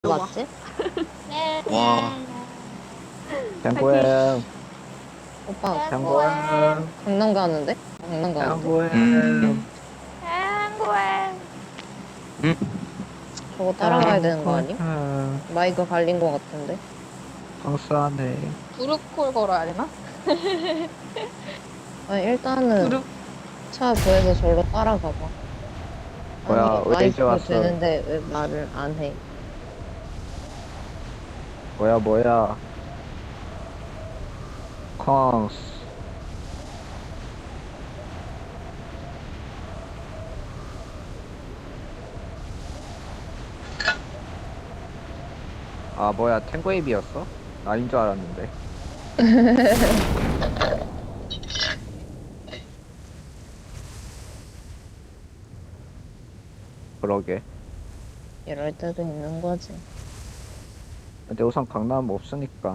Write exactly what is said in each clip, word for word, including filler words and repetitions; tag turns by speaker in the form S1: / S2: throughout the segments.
S1: 맞지?
S2: 와,
S3: 장고양,
S1: 오빠
S3: 장고양,
S1: 강남 가는데? 강남 가는데?
S3: 장고양.
S2: 음,
S4: 한국에
S2: 음,
S1: 저거 따라가야 되는 거 아님?
S3: 장고양.
S1: 마이크 갈린 거 같은데?
S3: 성수하네.
S4: 무릎콜 걸어야 되나?
S1: 아니 일단은
S4: 무릎
S1: 차 구해서 절로 따라가봐.
S3: 뭐야,
S1: 아니
S3: 왜 이제
S1: 마이크
S3: 왔어?
S1: 되는데 왜 말을 안 해?
S3: 뭐야, 뭐야. 콩스. 아, 뭐야, 탱고웨이비였어? 아닌 줄 알았는데. 그러게.
S1: 이럴 때도 있는 거지.
S3: 근데 우선 강남 없으니까.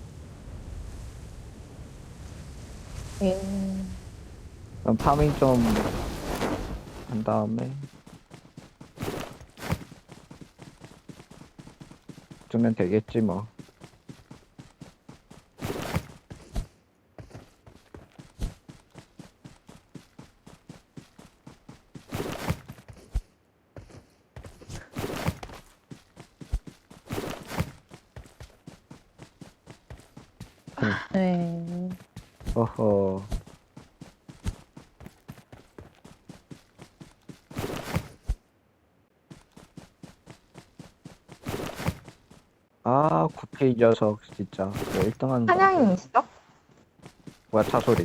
S1: 음,
S3: 그럼 파밍 좀 한 다음에. 주면 되겠지, 뭐.
S1: 네.
S3: 어허. 아, 구피 이 녀석, 진짜. 그거 일 등 하는 거.
S4: 한양이 있어?
S3: 뭐야, 차 소리.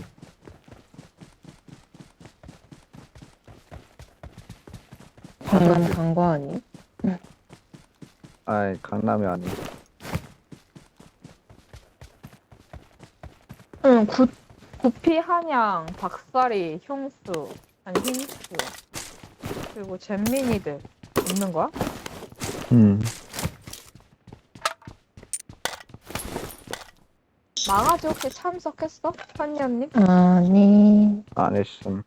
S1: 강남 간 거 아니?
S3: 아이, 강남이 아니.
S4: 응, 구, 구피 한양, 박사리, 형수, 아니 힘수 그리고 잼민이들 있는 거야?
S3: 음.
S4: 망아지 혹시 참석했어? 현녀님?
S1: 아니.
S3: 안 했음.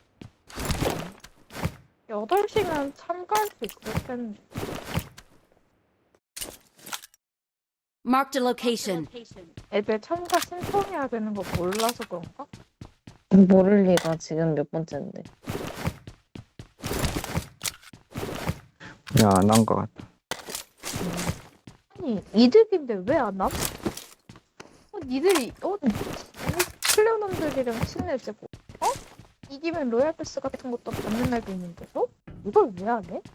S4: 여덟 시면 참가할 수 있을 텐데.
S5: Marked a location.
S4: 애들 참가 신청해야 되는 거 몰라서 그런가?
S1: 모를 리가 지금 몇 번째인데.
S3: 그냥 안 한 것 같아.
S4: 아니 이득인데 왜 안 함? 어, 니들이 어 플레어놈들이랑 친해지고 어? 이기면 로얄 패스 같은 것도 받는 날도 있는데 어? 이걸 왜 안 해?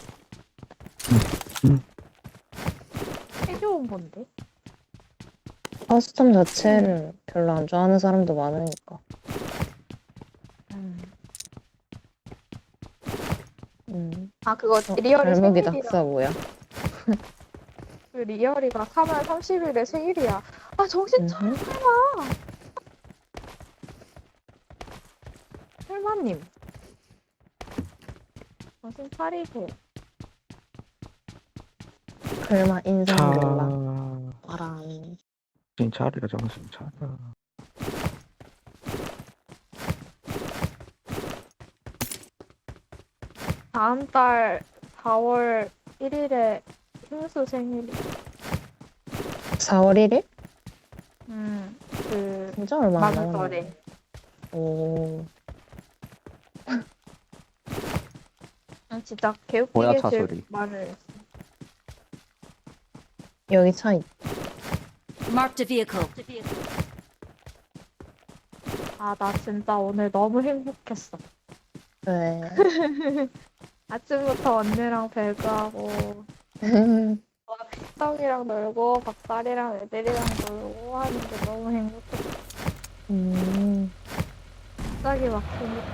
S3: 음.
S4: 해줘온 건데
S1: 커스텀 자체를 별로 안 좋아하는 사람도 많으니까.
S4: 음.
S1: 음.
S4: 아 그거
S1: 어,
S4: 리얼이
S1: 발목이
S4: 생일이라
S1: 낙사 뭐야?
S4: 그 리얼이가 삼월 삼십일에 생일이야 아 정신 차려
S1: 음흠.
S4: 설마 설마님 정신 차리세요
S1: 글마 인상
S3: 차.
S1: 몰라. 알아.
S3: 정신 차려, 정신 차려.
S4: 다음 달 사월 일일에 힘수 생일이
S1: 사월 일일?
S4: 음그
S1: 진짜 얼마 안 남았네.
S4: 만우절에
S1: 오.
S4: 진짜
S3: 뭐야,
S4: 개웃기게
S3: 차
S4: 질
S3: 소리.
S4: 말을 했어
S1: 여기 차 있.
S5: Marked a vehicle.
S4: 아 나 진짜 오늘 너무 행복했어
S1: 왜?
S4: 아침부터 언니랑 배그하고 식당이랑 놀고 박살이랑 애들이랑 놀고 하는데 너무 행복했어
S1: 음.
S4: 갑자기 막 행복했어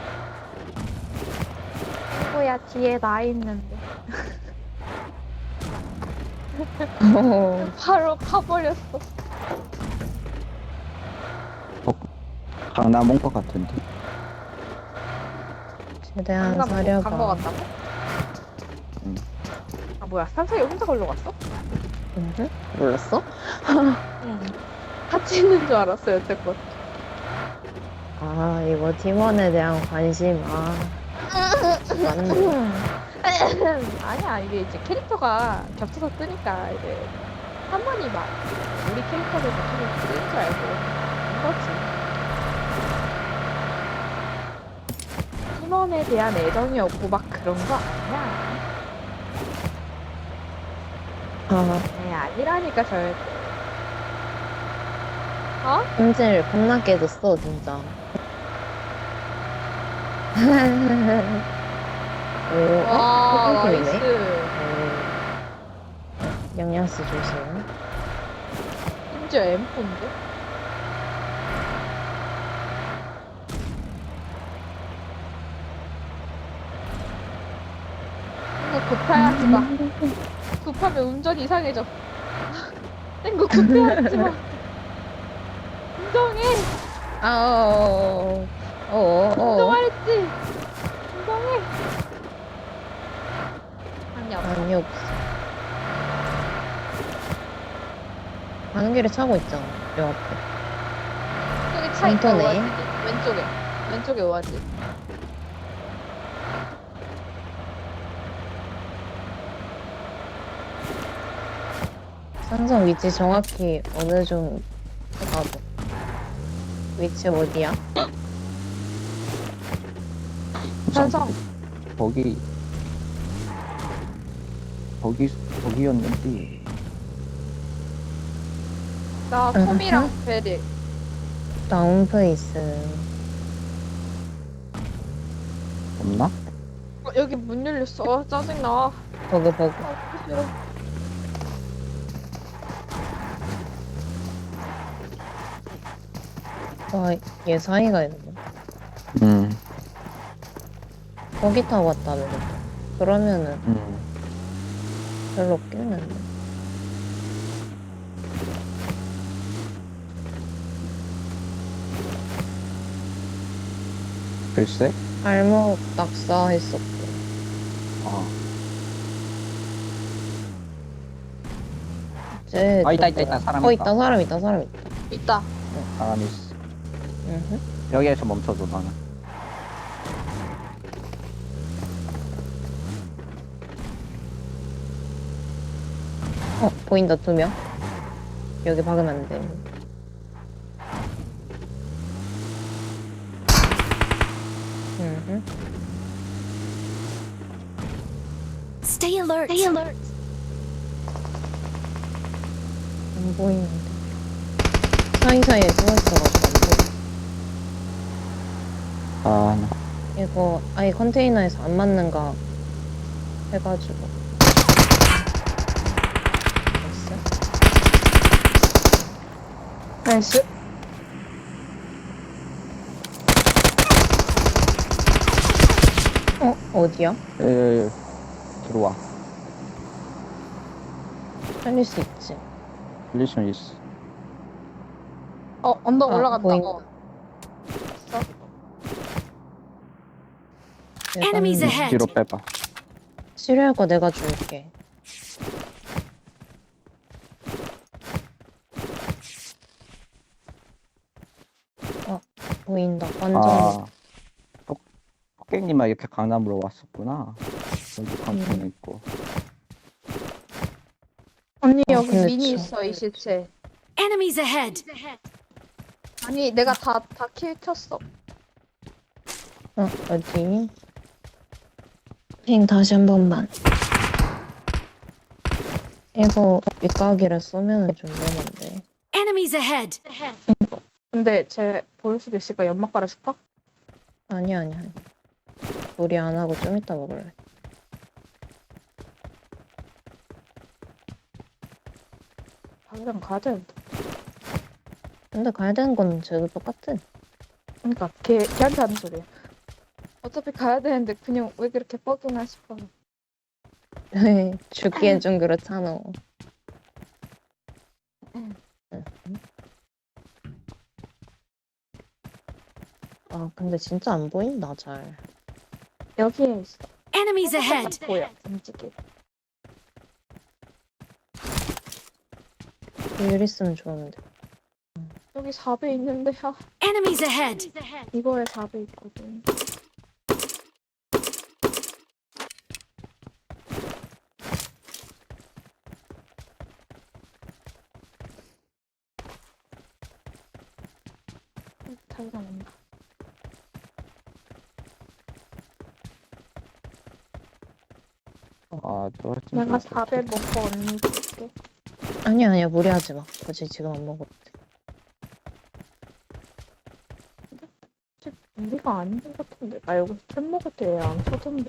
S4: 친구야 뒤에 나 있는데 바로 가버렸어
S3: 강남 온 것 같은데.
S1: 최대한
S4: 강남
S1: 사려봐.
S4: 간거 같다고?
S3: 응.
S4: 아 뭐야 산사이 혼자 걸러 갔어?
S1: 음흠. 몰랐어?
S4: 응 같이 있는 줄 알았어 여태껏
S1: 아 이거 팀원에 대한 관심. 아 맞네.
S4: 아니야 이게 이제 캐릭터가 겹쳐서 뜨니까 이제 한 번이 막 우리 캐릭터를 맞추면 뜨는 줄 알고 이거지. 팀원에 대한 애정이 없고 막 그런 거 아니야.
S1: 아,
S4: 네, 아니라니까 절대. 어?
S1: 품질 겁나게 해줬어, 진짜. 오, 어?
S4: 와,
S1: 소금팀이네.
S4: 나이스.
S1: 오. 영양스 조심.
S4: 심지어 엠포인데? 이거 급해하지 마. 급하면 운전 이상해져. 땡구 급해하지 마. 운전해.
S1: 아, 어, 어, 어, 어, 어.
S4: 운전하랬지. 운전해. 아니 없어.
S1: 아니, 없어. 가는 길에 차고 있잖아, 요 앞에.
S4: 저기 차 있다.
S1: 공터네.
S4: 오아지. 왼쪽에. 왼쪽에 오아지.
S1: 산성 위치 정확히 어느 좀 해봐도. 위치 어디야?
S4: 산성.
S3: 거기 거기 거기였는데
S4: 나
S1: 응,
S4: 톰이랑
S1: 응.
S4: 베리.
S1: 다운페이스.
S3: 없나?
S4: 어, 여기 문 열렸어. 어, 짜증나.
S1: 버그, 버그.
S4: 아, 싫어.
S1: 와, 얘 사이가 있네.
S3: 응,
S1: 거기 타고 왔다며. 그러면은
S3: 응.
S1: 별로 없겠는데.
S3: 글쎄.
S1: 발목 낙사했었고.
S3: 아,
S1: 이제
S3: 아 있다 있다
S1: 누구야?
S3: 있다 사람
S1: 어,
S3: 있다.
S1: 있다, 사람 있다, 사람 있다.
S4: 있다.
S3: 사람 있어.
S1: 으흠.
S3: 여기에서 멈춰줘 나는.
S1: 어, 보인다, 두 명. 여기 박으면 안 돼. 으흠.
S5: Stay alert. Stay alert.
S1: 안 보이는데. 사이사이에 숨어있어가지고 안 보여.
S3: 아, 나.
S1: 이거 아예 컨테이너에서 안 맞는가 해가지고. 됐어?
S4: 나이스.
S1: 어, 어디야?
S3: 에, 에, 에. 들어와.
S1: 살릴 수 있지.
S3: 릴리션 있어.
S4: 어, 언덕
S1: 아,
S4: 올라간다.
S1: 보인다.
S4: 어. 있어?
S5: Enemies
S1: 내가
S5: ahead.
S3: 뒤로 빼봐.
S1: 치료할 거 내가 줄게. 어, 보인다. 완전.
S3: 아, 톡- 토깽님만 이렇게 강남으로 왔었구나. 여기 강남에
S1: 음.
S3: 있고.
S4: 언니
S1: 어,
S4: 여기
S1: 근데
S4: 미니
S1: 저-
S4: 있어 이 시체.
S5: Enemies ahead.
S4: 아니 내가 다 다 킬 켰어.
S1: 어, 어디? 핑 다시 한 번만. 이거 윗가기를 쏘면 좀 위험한데.
S5: Enemies ahead.
S4: 근데 쟤 보일 수도 있을까? 연막 깔아줄까?
S1: 아니, 아니, 아니. 우리 안 하고 좀 이따 먹을래.
S4: 당장 가야 되는데.
S1: 근데 가야 되는 건 쟤도 똑같은.
S4: 그러니까 걔 걔한테 하는 소리야. 어차피 가야 되는데 그냥 왜 그렇게 뻐기나 싶어.
S1: 죽기엔 좀 그렇잖아.
S4: 응.
S1: 응. 아, 근데 진짜 안 보인다, 잘.
S4: 여기에 있어.
S5: Enemies ahead.
S4: 보여. 움직이.
S1: 일 있으면 좋은데.
S4: 여기 사 배 있는데 아,
S5: Enemies ahead.
S4: 이거에 사 배 있거든. 차이가 난다.
S3: 아, 저
S4: 내가
S3: 진짜
S4: 사 배 먹고 언니 줄게.
S1: 아니야, 아니야, 무리하지 마. 굳이 지금 안 먹어도 돼.
S4: 우리가 아닌 것 같은데. 나 여기서 템 먹을 때 안 쳐던데.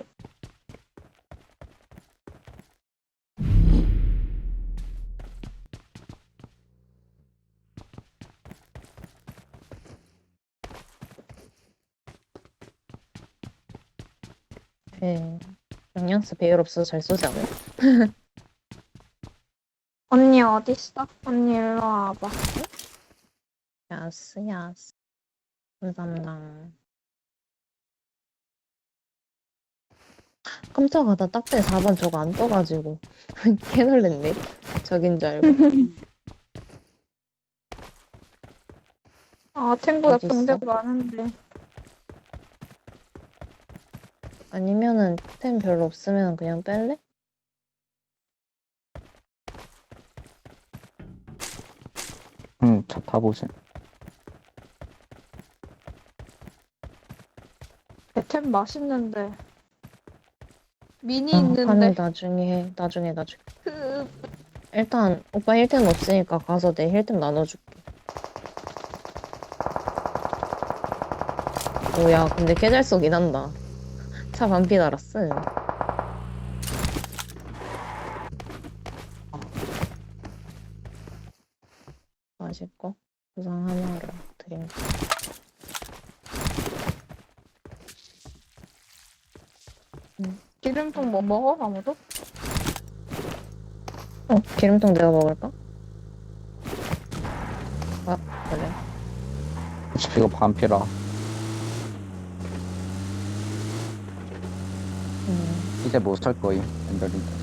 S1: 예. 영양스 배열 없어서 잘 쏘지 않아요?
S4: 언니 어딨어? 언니 일로 와봐.
S1: 야스, 야스. 감사합니다. 깜짝아, 나 딱대 사 번 저거 안 떠가지고. 개 놀랬네. 저긴 줄 알고.
S4: 아, 탱보다
S1: 어딨어?
S4: 병대가 많은데.
S1: 아니면은 템 별로 없으면 그냥 뺄래?
S3: 응, 차 타보세요.
S4: 템 맛있는데. 미니
S1: 아,
S4: 있는데.
S1: 판을 나중에 해. 나중에, 나중에.
S4: 그...
S1: 일단, 오빠 힐템 없으니까 가서 내 힐템 나눠줄게. 오야, 근데 개 잘 쏘긴 한다. 차 반피 달았어. 맛있고, 구상 하나를 드립니다.
S4: 기름통 뭐 먹어? 아무도?
S1: 어, 기름통 내가 먹을까? 아, 그래.
S3: 이거 반피라.
S1: 음,
S3: 이제 못 살 거임, 엔더링.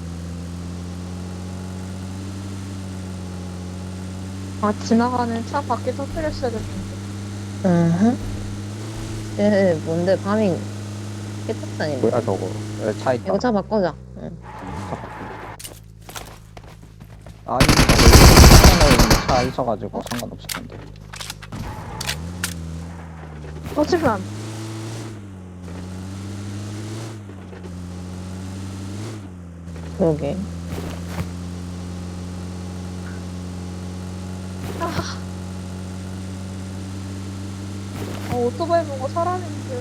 S4: 아, 지나가는 차 밖에 터뜨렸어야 됐는데.
S1: 으흠. 쟤 뭔데, 파밍 깨끗다니.
S3: 뭐야, 저거. 여기 차 있다.
S1: 이거 차 바꾸자. 응.
S3: 아, 이거 차 있어가지고 상관없을 텐데.
S4: 터지면 안 돼.
S1: 그러게.
S4: 아, 오토바이 보고 사람인 줄.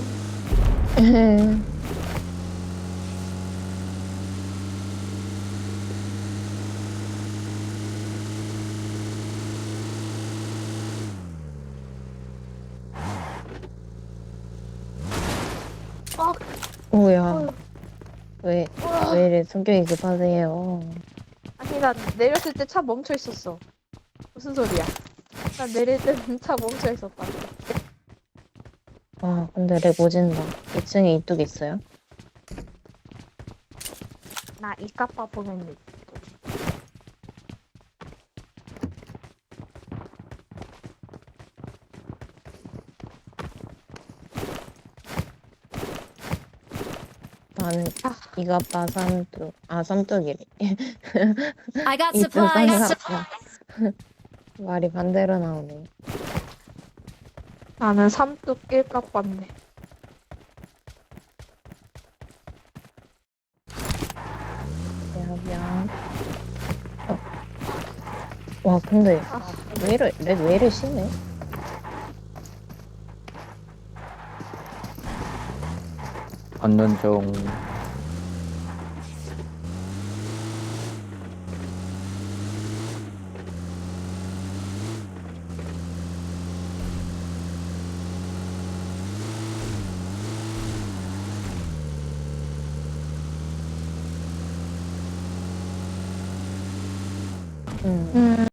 S4: 아,
S1: 오야.
S4: 어휴.
S1: 왜,
S4: 우와.
S1: 왜 이래 성격이 급하세요?
S4: 아니, 나 내렸을 때 차 멈춰 있었어. 무슨 소리야? 나 내릴 때는 차 멈춰 있었다.
S1: 아, 근데 렉 오진다. 이 층에 이뚝 있어요?
S4: 나 이까빠 보면 돼.
S1: 나는
S4: 아.
S1: 이가빠 삼뚝. 아, 삼뚝이래.
S5: I got
S1: 이뚝
S5: supplies.
S1: 쌍가빠. 말이 반대로 나오네.
S4: 나는 삼뚝 일까빠인데.
S1: 미안, 미안. 어. 와, 근데
S4: 아,
S1: 왜 이래, 렉 왜 이래 심해?
S3: 얻는 중.
S1: 음.
S4: 음.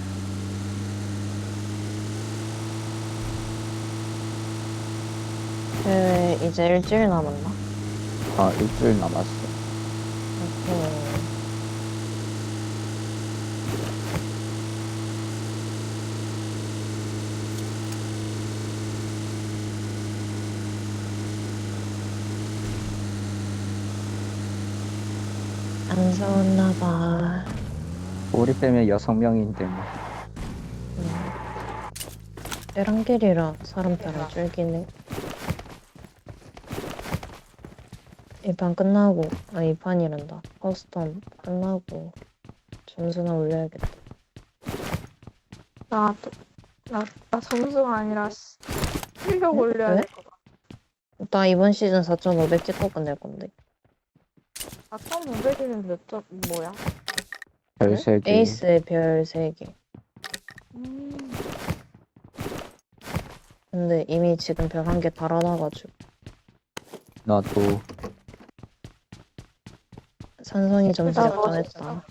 S1: 그 이제 일주일 남았나?
S3: 아, 일주일 남았어.
S1: 음. 안 싸웠나 봐.
S3: 우리 빼면 여섯 명인데 뭐.
S1: 음. 베란길이라 사람 따라 줄기네. 이 판 끝나고, 아, 이 판이란다. 커스텀 끝나고 점수나 올려야겠다.
S4: 나, 나, 나 점수가 아니라 시- 실력 올려야
S1: 왜?
S4: 될 것 같아.
S1: 나 이번 시즌 사천오백 찍고 끝낼 건데.
S4: 사천오백이면 몇 점, 뭐야?
S3: 별세 개.
S1: 에이스의 별 세 개.
S4: 음,
S1: 근데 이미 지금 별 한 개 달아놔가지고.
S3: 나도
S1: 산성이 점수
S4: 나
S1: 작정했다.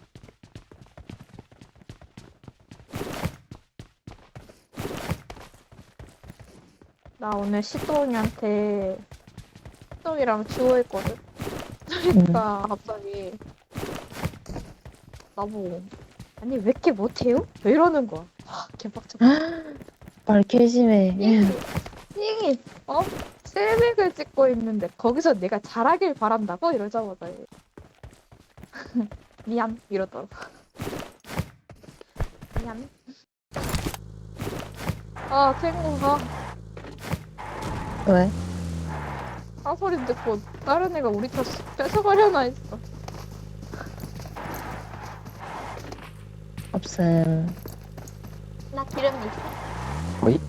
S4: 나 오늘 시동이한테 시동이랑 주호했거든? 그러니까 갑자기 나보고 아니 왜 이렇게 못해요? 왜 이러는 거야? 아, 개빡쳐.
S1: 말캐심해.
S4: 띵이 어? 셀맥을 찍고 있는데 거기서 내가 잘하길 바란다고? 이러자마자 미안 이러더라고. 미안. 아 친구가
S1: 왜?
S4: 사소리 듣고 다른 애가 우리 차 뺏어가려나 했어.
S1: 없음.
S2: 나 기름 있어.
S3: 어이?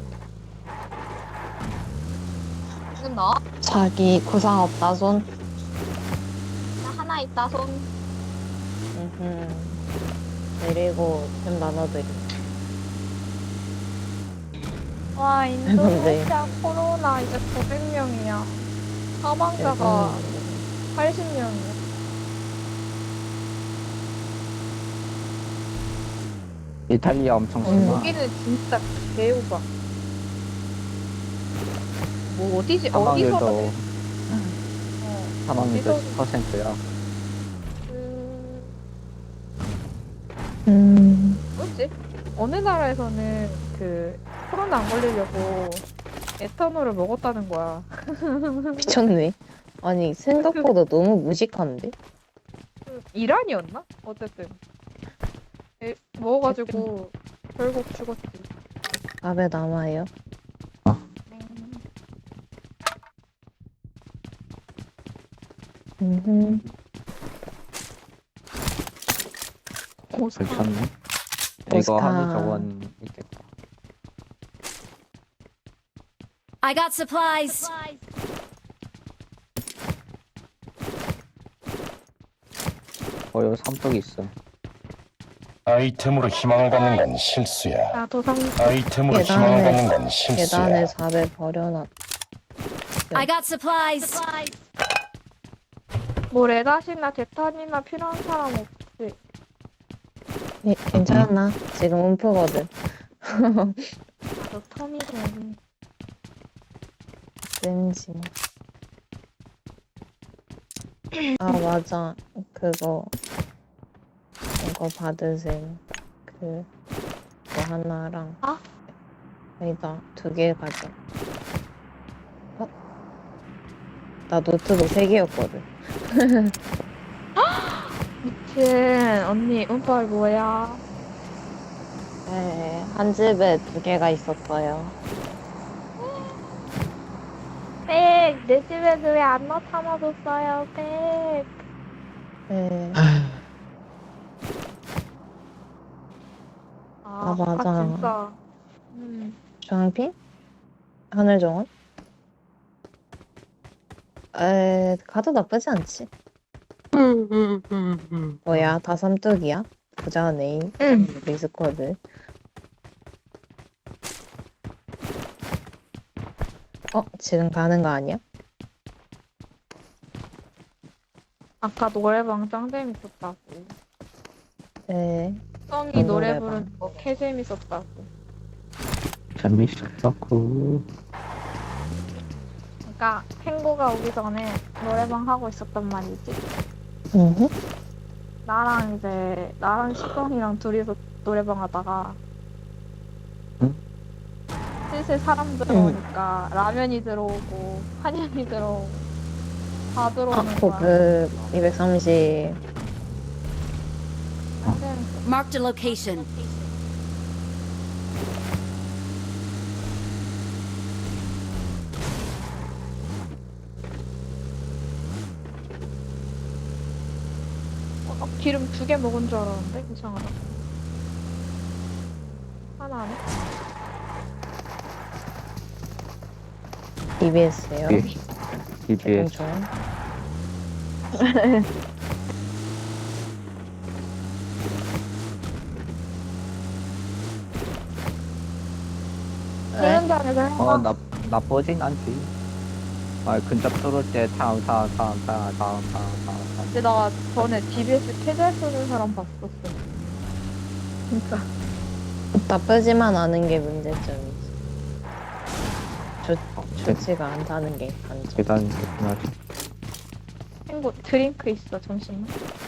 S2: 지금 넣어?
S1: 자기 구상 없다 손.
S2: 나 하나 있다 손.
S1: 음흠. 내리고 좀 나눠드리.
S4: 와
S1: 근데.
S4: 인도네시아 코로나 이제 구백 명이야. 사망자가 팔십 명이야.
S3: 이탈리아 엄청
S1: 음.
S3: 심하.
S4: 여기는 진짜 개우가. 뭐 어디지? 어디서
S3: 사망률도
S4: 어,
S3: 사망률도
S4: 어디서-
S3: 십 퍼센트야.
S4: 그
S1: 음.
S4: 뭐지? 어느 나라에서는 그 코로나 안 걸리려고 에탄올을 먹었다는 거야.
S1: 미쳤네. 아니 생각보다 너무 무식한데?
S4: 그 이란이었나? 어쨌든 에, 먹어가지고 결국 죽었지.
S1: 밥에 남아요. 음흠.
S4: 오스카.
S3: 괜찮네. 이거
S1: 오스카.
S3: 하면 저건 있겠다.
S5: I got supplies.
S3: 어, 여기 삼떡이 있어.
S6: 아이템으로 희망을 갖는 건 실수야.
S4: 아 도상
S6: 아이템으로
S1: 계단에-
S6: 희망을 갖는 건 실수야.
S1: 계단에 밥에 버려놨.
S5: I got supplies.
S4: 뭐 레닷이나 대탄이나 필요한 사람 없지.
S1: 예, 괜찮아. 지금 움프거든.
S4: 너 텀이 되니.
S1: 왠지. 아 맞아. 그거 이거 받으세요. 그 그거 하나랑.
S4: 아?
S1: 아니다. 두 개 가져. 어? 나 노트북 세 개였거든.
S4: 미친 언니 운빨 뭐야?
S1: 네, 한 집에 두 개가 있었어요.
S4: 백! 내 집에는 왜 안 넣어 담아뒀어요, 백!
S1: 네. 아, 맞아.
S4: 아, 진짜. 음.
S1: 주황빛? 하늘정원? 에, 가도 나쁘지 않지. 뭐야, 다 삼뚝이야? 부자 네임,
S4: 응.
S1: 리스코드. 어, 지금 가는 거 아니야?
S4: 아까 노래방 짱 재밌었다고.
S1: 네.
S4: 성이
S1: 어떤
S4: 노래
S1: 노래방?
S4: 부르는 거 개 재밌었다고.
S3: 재밌었다고.
S4: 그러니까 탱고가 오기 전에 노래방 하고 있었단 말이지.
S1: 응.
S4: 나랑 이제 나랑 시경이랑 둘이서 노래방 하다가
S3: 응?
S4: 슬슬 사람 들어오니까 라면이 들어오고 한약이 들어오고 다
S1: 아,
S4: 들어오는
S1: 그,
S4: 거야.
S1: 그, 이백삼십.
S4: 짱 재밌어.
S5: Marked a location.
S4: 기름 두 개 먹은 줄 알았는데 이상하다. 하나 안 해?
S1: 디비에스요.
S3: 예. 디비에스.
S1: 좋아요.
S4: 훈련장에서 한
S3: 어,
S4: 거.
S3: 나, 나쁘진 않지. 아, 근접 뚫을 때 다음, 다음, 다음, 다음, 다음, 다음, 다음, 다음.
S4: 근데 나 전에 디비에스 캐잘 쓰는 사람 봤었어. 진짜.
S1: 나쁘지만 않은 게 문제점이지. 좋,
S3: 어,
S1: 좋지가 않다는 게 단점.
S3: 계단 좋긴 하지.
S4: 친구 드링크 있어. 잠시만.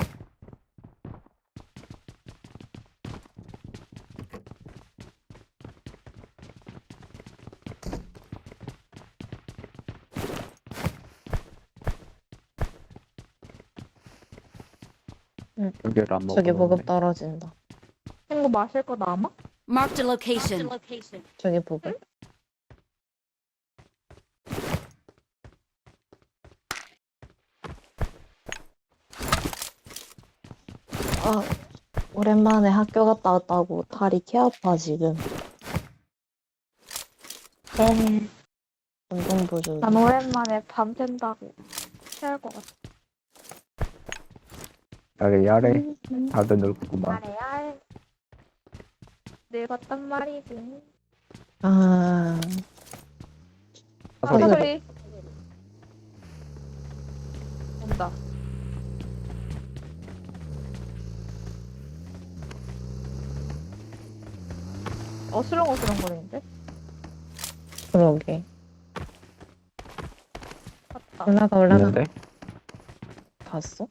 S3: 여기를 안 먹어.
S1: 저기 보급 떨어진다.
S4: 친구 마실 거 남아?
S5: Marked a location.
S1: 저기 보급. 아, 오랜만에 학교 갔다 왔다고 다리 개 아파 지금.
S4: 네.
S1: 운동 부족.
S4: 난 오랜만에 밤 샌다고 취할 것 같아.
S3: 야래, 야래.
S1: 음,
S3: 다들 늙구만.
S4: 말해야 늙었단 말이지.
S1: 아,
S4: 아,
S3: 소리.
S4: 소리. 온다. 어슬렁어슬렁 거리는데?
S1: 그러게.
S4: 맞다.
S1: 올라가 올라가.
S3: 있는데?
S1: 봤어?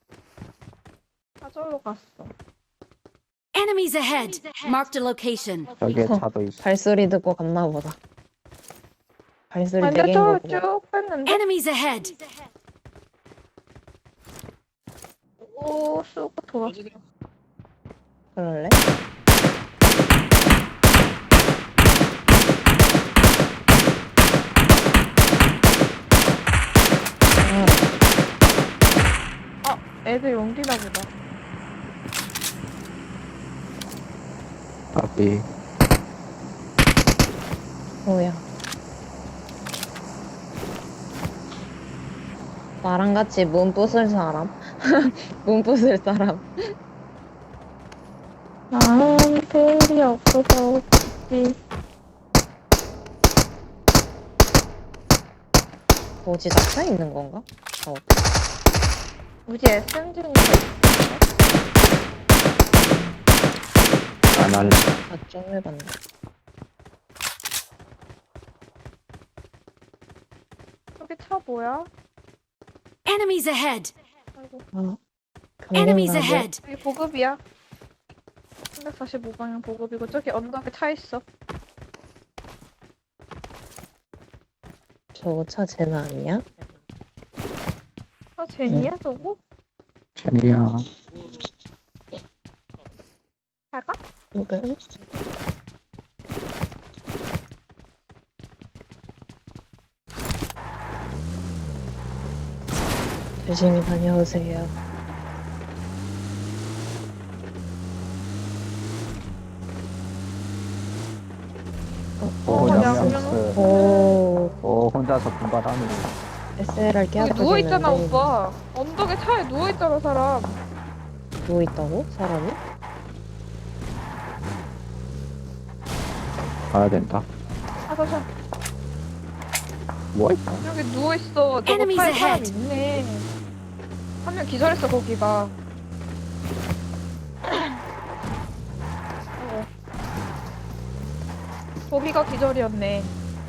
S4: 사절로 갔어.
S5: Enemies ahead. Marked a location.
S3: 저기에
S1: 어.
S3: 차도 있어.
S1: 발소리 듣고 갔나 보다. 발소리
S4: 근데
S1: 되게
S4: 저를
S1: 거고.
S4: 쭉 뺐는데?
S5: Enemies ahead.
S4: 오, 쑥 돌았어.
S1: 그럴래? 아,
S4: 애들 용기나 보다.
S3: 앞이.
S1: 뭐야. 나랑 같이 문 부술 사람? 문 부술 사람.
S4: 나한테 일이 없어서 없지.
S1: 뭐지, 잡혀 있는 건가? 어,
S4: 우지 에스엠지니까
S3: 안 할래.
S1: 다좀 해봤네.
S4: 저기 차 뭐야?
S5: Enemies ahead.
S4: 아이고,
S1: 아,
S5: Enemies
S1: 경쟁
S5: ahead.
S4: 여기 보급이야. 삼백사십오 방향 보급이고 저기 언덕에 차 있어.
S1: 저거 차 쟤는 아니야?
S4: 아 제니야 저거?
S3: 제니야.
S4: 갈까?
S1: 그래? 조심히 다녀오세요.
S3: 오,
S4: 어,
S3: 양양스.
S4: 양양.
S1: 오,
S3: 오, 혼자서 분발하네.
S1: 에스엘알 깨
S4: 여기
S1: 아프겠는데.
S4: 누워있잖아 오빠. 언덕에 차에 누워있잖아 사람.
S1: 누워있다고? 사람이?
S3: 가야 된다.
S4: 아 잠시만.
S3: 뭐 있다?
S4: 여기 누워있어. 저거
S5: Enemies
S4: 차에 사람
S5: ahead.
S4: 있네. 한 명 기절했어 거기가. 어. 거기가 기절이었네.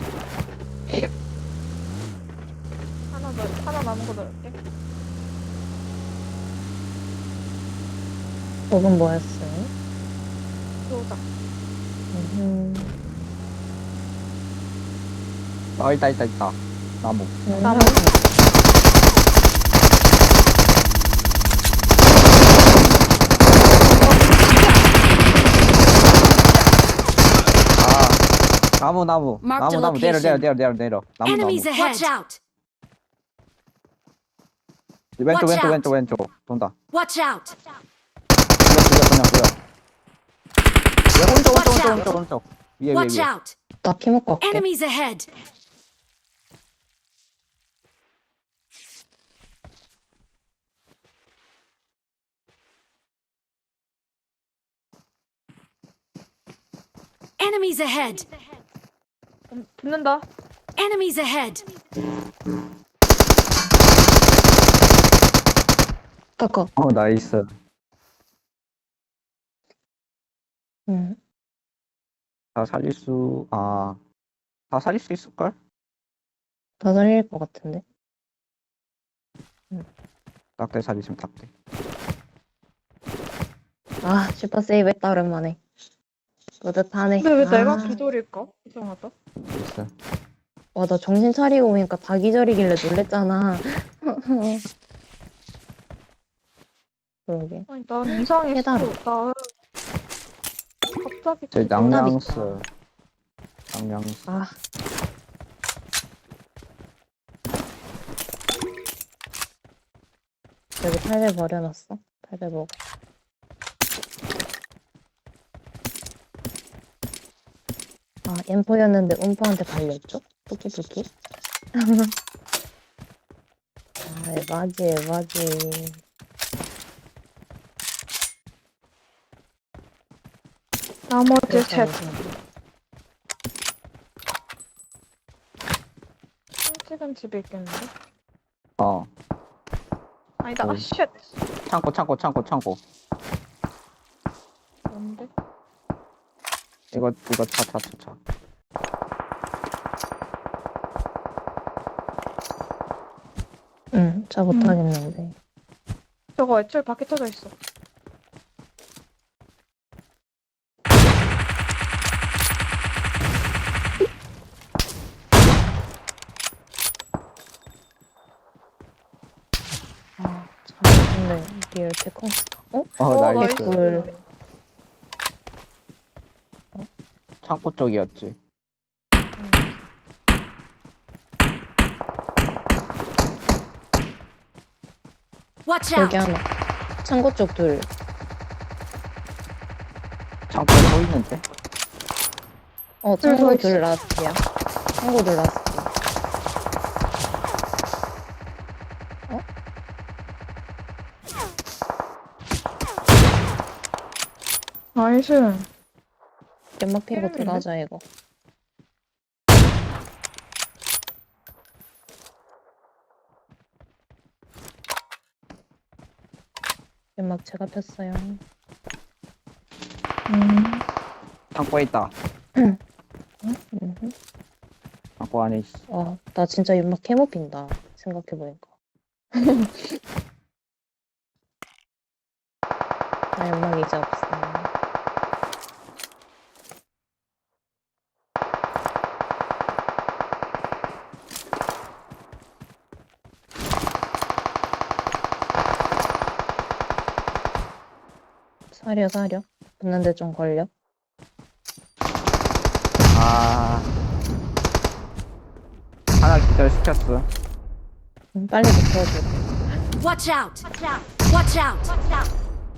S4: 하나 더 하나 남은 거 넣을게.
S1: 그건 뭐였어요?
S4: 들어오자.
S1: 음,
S3: 아, 있다, 있다, 있다. 나무.
S4: 나무.
S3: 아, 나무, 나무.
S5: Mark
S3: 나무,
S5: the
S3: 나무. 내려, 내려,
S5: location.
S3: 내려, 내려, 내려. 나무, 나무.
S5: Enemies
S3: 야,
S5: ahead. Watch out.
S3: 왼쪽
S5: Watch
S3: 왼쪽
S5: out.
S3: 왼쪽 왼쪽 돈다.
S5: Watch out!
S3: 그냥 그냥 그냥 그냥. 얘 오른쪽 오른쪽
S5: Watch
S3: 오른쪽
S5: out.
S3: 오른쪽 오른쪽. 위에 위에
S5: Watch
S3: 위에.
S5: out!
S1: 나 피 먹고 갈게.
S5: Enemies ahead! Enemies ahead!
S4: 음, 붙는다.
S5: Enemies ahead!
S1: 깎아.
S3: 어 나이스.
S1: 응.
S3: 다 살릴 수, 아, 다 살릴 수 있을걸?
S1: 다 살릴 것 같은데.
S3: 딱대 살리시면 딱대.
S1: 아, 슈퍼 세이브 했다, 오랜만에. 뿌듯하네.
S4: 근데 왜
S1: 아,
S4: 내가 기절일까? 이상하다.
S3: 나이스.
S1: 와, 나 정신 차리고 보니까 다 기절이길래 놀랬잖아. 그러게.
S4: 아니 난 이상했어.
S1: 깨달아.
S4: 나 갑자기
S3: 제
S4: 기절.
S3: 낭량스. 낭량스.
S1: 아. 여기 팔배 버려놨어. 팔배 먹어. 아, 엠포였는데 음포한테 발렸죠? 뿌끼뿌끼. 아, 에바지, 에바지.
S4: 나머지 셋. 찍은 집에 있겠는데?
S3: 어.
S4: 아니다.
S3: 어.
S4: 아 쉣.
S3: 창고, 창고, 창고, 창고.
S4: 뭔데?
S3: 이거, 이거 차, 차, 차, 차.
S1: 응, 잘 못하겠는데.
S4: 저거 애초에 밖에 터져 있어.
S1: 아, 잘했는데, 리얼 테크스타. 어?
S3: 어, 나이스.
S1: 꿀.
S3: 창고 쪽이었지.
S5: Watch
S1: 여기
S5: out!
S1: 하나. 창고 쪽 둘.
S3: 창고에 또 있는데?
S1: 어, 창고
S4: 둘
S1: 둘 라스트야. 창고 둘 라스트.
S4: 나이스.
S1: 연막 피고
S4: 재밌는데?
S1: 들어가자, 이거. 연막 제가 폈어요.
S4: 음.
S3: 창고에 있다.
S1: 음.
S3: 창고 안에 있어.
S1: 와, 나 진짜 연막 캐모 핀다. 생각해보니까. 나 연막 이제 없어. 사려, 사려. 붙는데 좀 걸려.
S3: 아. 하나 기절 시켰어.
S1: 음, 빨리 붙어줘.
S5: Watch out! Watch out!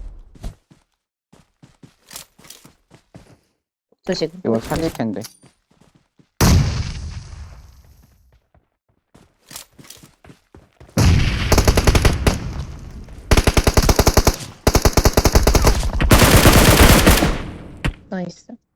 S1: 조식.
S3: 이거 살릴 텐데.
S1: 나이스.